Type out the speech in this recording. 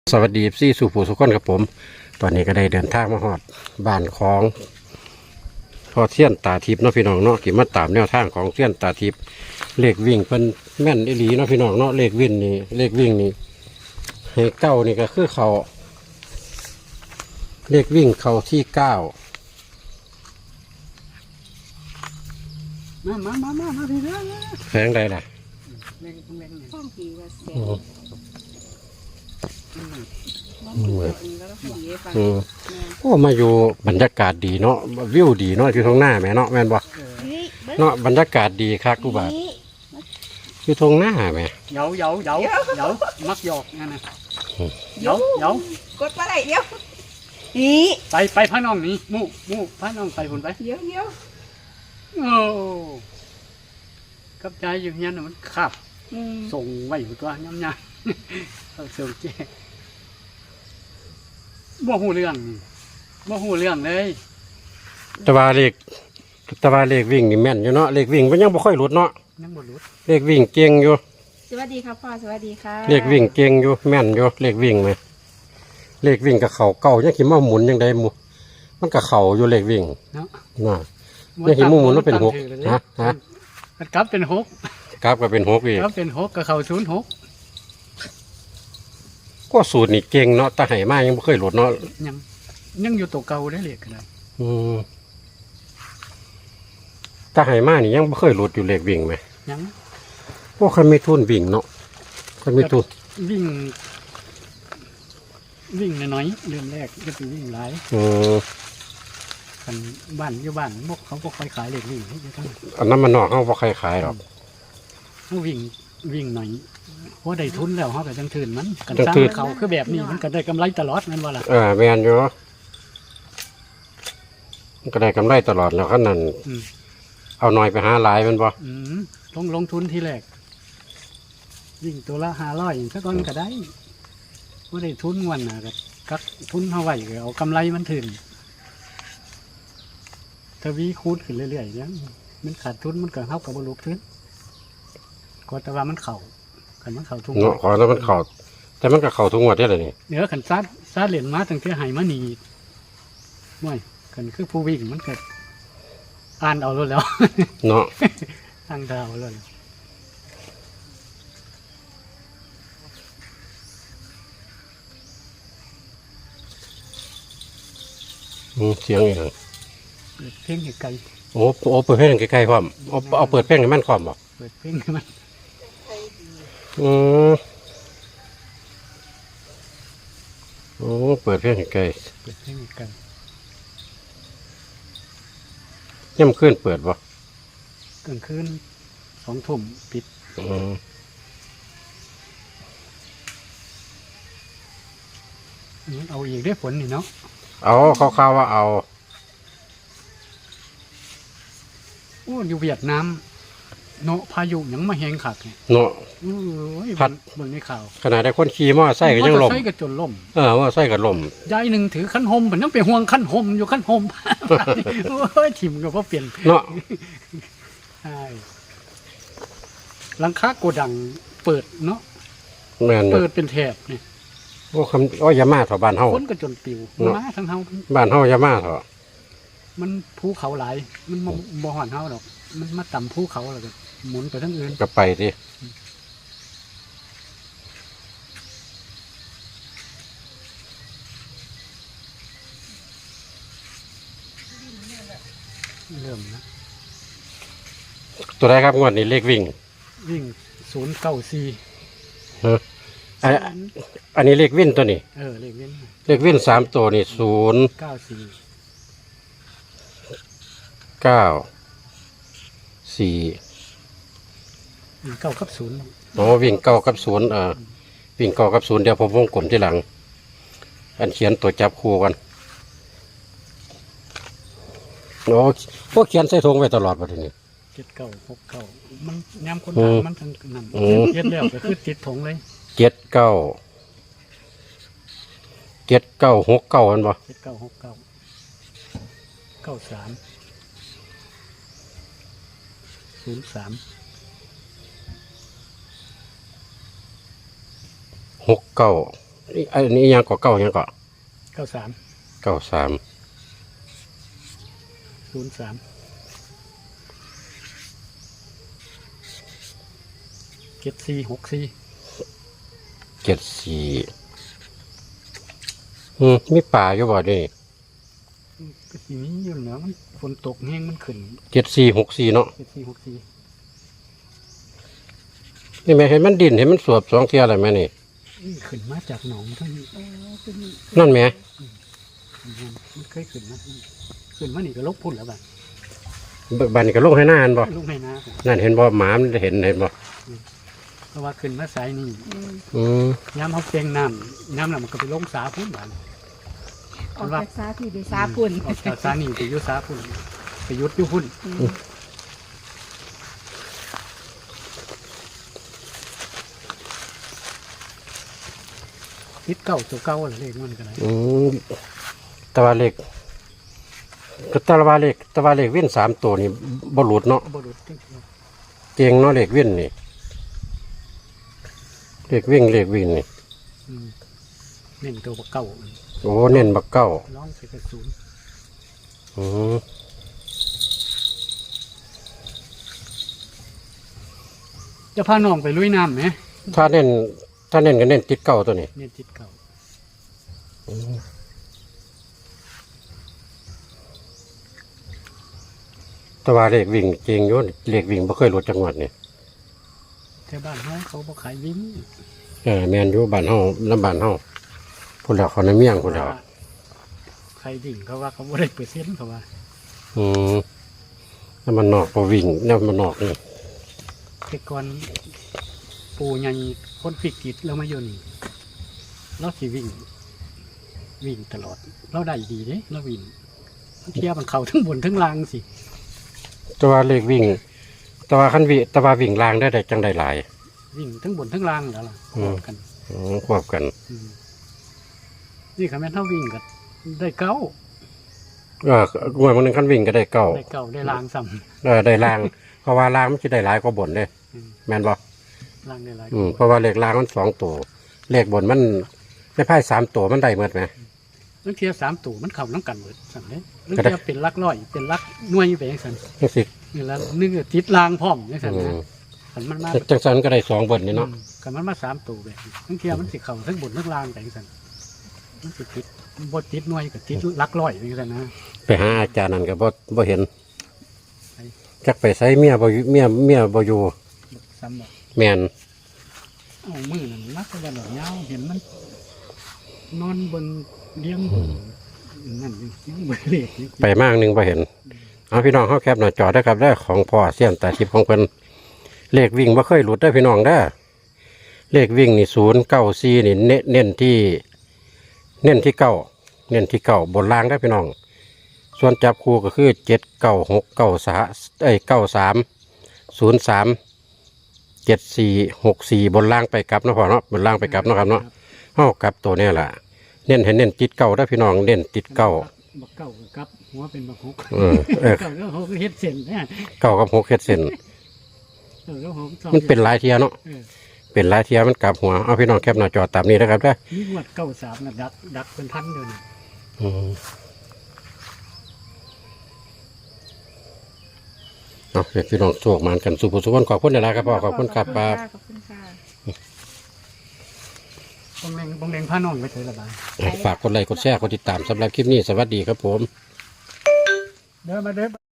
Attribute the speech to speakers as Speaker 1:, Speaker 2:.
Speaker 1: สวัสดีซี่สู่ผู้สุขคนครับผมตอนนี้ก็ได้เดินทางมาฮอดบ้านของพอเสี้ยนตาทิพย์เนาะพี่น้องเนาะกี่มาตามแนวทางของเสี้ยนตาทิพย์เลขวิ่งเป็นแม่นอีหลีเนาะพี่น้องเนาะเลขวิ่งนี่ให้เก้านี่ก็คือเขาเลขวิ่งเขาที่เก้า
Speaker 2: มาพี่เด้อ
Speaker 1: แฝงใดล่ะ
Speaker 2: เล่นเล่น
Speaker 3: ช่องผีว่าแส
Speaker 1: อื
Speaker 3: น
Speaker 1: ม
Speaker 3: น้องผีตัวนี้แล้วก็ผีให้ฟัง
Speaker 1: อืม
Speaker 3: แม่
Speaker 1: โอ้มาอยู่บรรยากาศดีเนาะวิวดีเนาะอยู่ตรงหน้าแม่เนาะแม่นบ่
Speaker 3: เฮ้ยเบิ้ง
Speaker 1: เนาะบรรยากาศดีคักกูบาด
Speaker 3: นี่
Speaker 1: อยู่ตรงหน้าแม่
Speaker 2: เหยามักหยอกนั่นนะเหยาก
Speaker 3: ดปลาไหลเดียวนี่
Speaker 2: ไปพระน้องนี่มู่พระน้องไปหุ่นไป
Speaker 3: เดี๋ยว
Speaker 2: โอ้กับใจอยู่เงี้ยมันขับ
Speaker 3: อืม
Speaker 2: ส่งไว้อยู่ตัวย้ำยาเอาส่งเจ๊บ่หูเรื่องเลย
Speaker 1: แตะวาเลขวิ่งนี่แม่นอยู่เนาะเลขวิ่งมันยังบ่ค่อยหลุดเนาะ
Speaker 2: ยังบ่รู้
Speaker 1: เลขวิ่งเก่งอยู่
Speaker 3: สวัสดีครับพ่อสวัสดีค่ะ
Speaker 1: เลขวิ่งเก่งอยู่แม่นอยู่เลขวิ่งไหมเลขวิ่งกับเข่าเก่ายังขี้มาหมุนยังได้หมูมันกับเข่าอยู่เลขวิ่ง
Speaker 2: เนาะ
Speaker 1: น่ะยังขี้มูหมุนมันเป็นหกฮะ
Speaker 2: กลับเป็นหก
Speaker 1: กราฟก็เป็นหกอีก
Speaker 2: กลับเป็นหกกับเขา06
Speaker 1: ก็สูตรนี่เก่งเนาะตาไหมายังบ่เคยหลุดเนาะ
Speaker 2: ยังอยู่ตัวเก่าได้เลยกันเลย
Speaker 1: อืมตาไหมานี่ยังบ่เคยหลุดอยู่เลขวิ่งไหม
Speaker 2: ยัง
Speaker 1: พวกคนมีทุนวิ่งเนาะคนมีทุน
Speaker 2: วิ่งน้อยๆเริ่มแรกก็คือวิ่งหลาย
Speaker 1: อืม
Speaker 2: กันบ้านอยู่บ้านพวกเขาค่อยขายเหล็กวิ่งให้ทั้ง
Speaker 1: อันนั้นมันนอกเฮาบ่ใครขายหรอก
Speaker 2: เขาวิ่งหน่อยเพราะได้ทุนแล้วเขาก็จังถืนมันกัน
Speaker 1: จัง
Speaker 2: สร้าง
Speaker 1: ถืน
Speaker 2: เขาคือแบบนี้มันก็ได้กำไรตลอดนั่นว่าล่ะ
Speaker 1: แม่นอยู่มันก็ได้กำไรตลอดแล้วขนาด
Speaker 2: อืม
Speaker 1: เอาหน่อยไปหาหลายแมันบ่
Speaker 2: ลงทุนทีแรกวิ่งตัวละ500สักก้อนก็ได้ว่าได้ทุนวันน่ะก็กักทุนเท่าไหร่ก็เอากำไรมันถืนทวีคูณขึ้นเรื่อยๆเนี่ยมันขาดทุนมันก็เข้ากับบรรลุทุนก็แต่ว่ามันเข่ากันมันเข่าทุก
Speaker 1: เนาะขอแล้วมันเข้าแต่มันก็เข้าทุกงวดได้เลยนี่
Speaker 2: เนื้อขันซาเหรียญมาตั้งแต่ไหมานีม่วยกันคือผู้วิ่งมันเกิดอ่านเอาแล้ว
Speaker 1: เนาะ
Speaker 2: ตั้งดาวแล้ว
Speaker 1: เสียงอีกแล้ว
Speaker 2: เปิดเพลงให้ไกล
Speaker 1: โอ้เปิดเพลงใกล้ๆพร้อมเอาเปิดเพลงให้มันพร้อมบ่
Speaker 2: เปิดเพลงให้มัน
Speaker 1: อืมโอ้เปิดเพลงให้ใกล้
Speaker 2: เปิดเพลงให้ไกล
Speaker 1: ย่ำขึ้นเปิดบ่
Speaker 2: กลางคืน2 ทุ่มปิด
Speaker 1: อืม
Speaker 2: เอาอีกได้ผลนี่เนาะ
Speaker 1: เอาคร่าวๆว่าเอา
Speaker 2: โอ้อยู่เวียดนามเนาะพายุหยังมาแหงขักเนี่ย
Speaker 1: เนาะ
Speaker 2: โอ้ย
Speaker 1: พัด
Speaker 2: เบิ่งในข่าว
Speaker 1: ขนาดได้คนขี่มอไซค์ก็ยังล่ม
Speaker 2: ใช้ก็จนล่ม
Speaker 1: มอไซค์ก็ล่ม
Speaker 2: ยายหนึ่งถือขั้นหมผมยังไปห่วงขั้นหมอยู่ขั้นหม โอ้ยถิ่มก็เพราะเปลี่ยน
Speaker 1: เนาะ
Speaker 2: ใช่หลังคาโกดังเปิดเนาะ
Speaker 1: แม่นอยู่
Speaker 2: เปิดเป็นแถบเนี่ย
Speaker 1: โอ้อยามาเถอะบ้านเฮา
Speaker 2: คนก็จนปิว
Speaker 1: เนาะ
Speaker 2: มาทั้งเฮา
Speaker 1: บ้านเฮาอยามาเถอะ
Speaker 2: มันภูเขาหลาย มันบ่หอนเฮาดอก มันมาต่ำภูเขาแล้วก็หมุนไปทั้งอื่น
Speaker 1: ก็ไปดิ
Speaker 2: เริ่มนะ
Speaker 1: ตัวใดครับงวดนี้เลขวิ่ง
Speaker 2: วิ่ง094
Speaker 1: เอออันนี้เลขวิ่งตัวนี้
Speaker 2: เลขวิ่ง
Speaker 1: เลขวิ่ง3ตัวนี่0
Speaker 2: 94
Speaker 1: 9 4
Speaker 2: วิ่ง9กับ0
Speaker 1: อ๋อวิ่ง9กับ0วิ่ง9กับ0เดี๋ยวผมวงกลมที่หลัง อันเขียนตัวจับคู่กันโอ้พวกเขียนใส่ธงไว้ตลอดประเด็นนี้
Speaker 2: 7969มันย้ำคน
Speaker 1: อื
Speaker 2: ถาม
Speaker 1: ม
Speaker 2: มันทั้งนั้น
Speaker 1: อืม
Speaker 2: เย็ดแล้วก็คือติดถงเลย
Speaker 1: 7969มันบ่
Speaker 2: 7969 93 03
Speaker 1: 69 อันนี้ยังเกาะเก้ายังเกาะ
Speaker 2: 93
Speaker 1: 93
Speaker 2: 03 7464
Speaker 1: 74มีป่าอยู่บ่นี่
Speaker 2: ก็สิมีอยู่เนาะมันฝนตกแห้งมันขึ้น
Speaker 1: 7464เนาะ
Speaker 2: 7464
Speaker 1: นี่แม่เห็นมันดินเห็นมันสวบ2เที่ยอะไรแม่นี่
Speaker 2: ขึ้นมาจากหนองทั้งนี้
Speaker 3: ขึ้น
Speaker 1: นั่นแหม่
Speaker 2: มันเคยขึ้นมาขึ้นมานี่ก็ลบพุ่นแล้วบัด
Speaker 1: บัดนี้ก็ลงให้หน้าอันบ่
Speaker 2: ลงในนาผม
Speaker 1: นั่นเห็นบ่หมามันเห็นบ่
Speaker 2: เพราะว่าขึ้นมาสายนี่
Speaker 1: อืม
Speaker 2: ย้ำเขาเปลงน้ำน้ำแล้วมันก็ไปลงสาพุ่นบัด
Speaker 3: ออกจากซาที่ไปซาปุ่น
Speaker 2: ออกจากสานี่ไปอยุสาพุ่นไปยุดอยุพุ่นติดเก่าตัวเก่าอะไรเลขมันก็ได้
Speaker 1: แตะวันเล็กก็แตะวันเล็กวิ่น3ตัวนี่บ่หลุดเนาะ
Speaker 2: บรุษที่
Speaker 1: เก่งเนาะเล็กวิ่นนี่เล็กวิ่งนี่
Speaker 2: เน้นตัวเก่า
Speaker 1: โอ้เน้นบักเก้า
Speaker 2: ร้องใส่กระสุน
Speaker 1: อืม
Speaker 2: จะพาน้องไปลุยน้ำไหม
Speaker 1: ถ้าเน้นก็เน้นติดเก้าตัวนี้
Speaker 2: เน้นติดเก่า
Speaker 1: แตะวันเล็กวิ่งเก่งอยู่เล็กวิ่งบ่เคยหลุดจังหวัดนี่
Speaker 2: แถวบ้านเขาบ่ขายวิ่ง
Speaker 1: แม่นอยู่บ้านเฮาลำบ้านเฮาพุ่นแล้วเขาในเมียงพุ่นแล้ว
Speaker 2: ใครวิ่งเขาว่าเขาบ่ได้เปอร์เซ็นต์เขาว่า
Speaker 1: อืมแล้วมันนอกบ่วิ่งแล้วมันนอกนี่
Speaker 2: แต่ก่อนปู่ใหญ่คนฟิกกิจแล้วมาอยู่นี่เราสิวิ่งตลอด เราได้ดีเด้เราวิ่งเทียบมันเขาทั้งบนทั้งล่างสิ
Speaker 1: แตะวันเล็กวิ่งแตะวันคันวิแตะวันวิ่งล่างได้จังได้หลาย
Speaker 2: วิ่งทั้งบนทั้งล่างแล้วล่ะ
Speaker 1: อืม
Speaker 2: กัน
Speaker 1: ควบกัน
Speaker 2: นี่ค่ะแม่นเท่าวิ่งก็ได้เก้า
Speaker 1: งวดมันนึงคันวิ่งก็ได้เก้า
Speaker 2: ได้ล่างซ้
Speaker 1: ได้ล่าง เพราะว่าล่างมันจะได้หลายกว่าบนเด้
Speaker 2: ำ
Speaker 1: แม่นบ่
Speaker 2: ล่างได้หลาย
Speaker 1: เพราะว่าเลขล่างมัน2ตัวเลขบนมันในไพ่3ตัวมันได้หมดไหม
Speaker 2: นั่นเทียบ3ตู่มันเข้าน้ำกันหมดสั่งเด้นั่น
Speaker 1: ก็ได้
Speaker 2: เทียบเป็นลักร้อยเป็นลักหน่วยไปอย่างสั่น
Speaker 1: จังสิ
Speaker 2: นี่ละนึกว่าติดล่างพร้อมอย่างสั่นนะขันมันมา
Speaker 1: จังสันก็ได้2บนนี่เนาะ
Speaker 2: ขันมันมา3ตู่แบบนั่นเทียบมันสิเข้าทั้งบนทั้งล่างไปอย่างสั่นมันสิติดบดติดหน่วยกับติดลักร้อยอย่างสั่นนะ
Speaker 1: ไปหาอาจารย์นั่นก็บ่เห็น
Speaker 2: ไป
Speaker 1: จักไปใส่เมียบ่อยู่เมียบ่อยู่
Speaker 2: ซ้ำบอก
Speaker 1: แม่น
Speaker 2: เอามือนั่นนักก็จะหน่อยยาวเห็นมัน นอนบนเลี้ยงบนนั่นอยู่บนเลขนี่
Speaker 1: ไปมากนึงบ่เห็นเอาพี่น้องเฮาแคปหน้าจอได้อครับได้อของพ่อเสี้ยนตาทิพย์ของเพิ่นเลขวิ่งบ่เคยหลุดได้อพี่น้องเด้อเลขวิ่งนี่094นี่เน้นที่เก้าเน้นที่เก้าบนล่างได้อพี่น้อง ส่วนจับคู่ก็คือ79693037464บนล่างไปกลับเนาะพ่อเนาะบนล่างไปกลับเนาะครับเนาะเฮากลับตัวเนี้ล่ะเน้นให้เน้นติดเก้าได้อพี่น้องเน้นติดเก้า
Speaker 2: บักเก้ากับหัวเป็นบักฮก
Speaker 1: เออ
Speaker 2: เก้าก็ฮกเฮ็ดเส้นนะ
Speaker 1: เก้ากับ6เฮ็ดเส้น
Speaker 2: เก้าก็ฮก
Speaker 1: มันเป็นหลายเทียเนาะ
Speaker 2: เออ
Speaker 1: เป็นหลายเทียมันกลับหัวเอาพี่น้องแคปหน้าจอตามนี้นะครับเด้อ
Speaker 2: นี่งวดเก้าสามน่ะดักเป็นพันเดียวนี่
Speaker 1: อืมเอาเดี๋ยวพี่น้องโชคมันกันสุขสุขคนขอบคุณนะครับพ่อขอบคุณครับป้า
Speaker 3: ขอบคุณค่ะ
Speaker 2: บงเลงผ้าน่องไปเฉยละบาย
Speaker 1: ฝากกดไลค์กดแชร์กดติดตามสำหรับคลิปนี้สวัสดีครับผม
Speaker 2: เดินมาเด้อ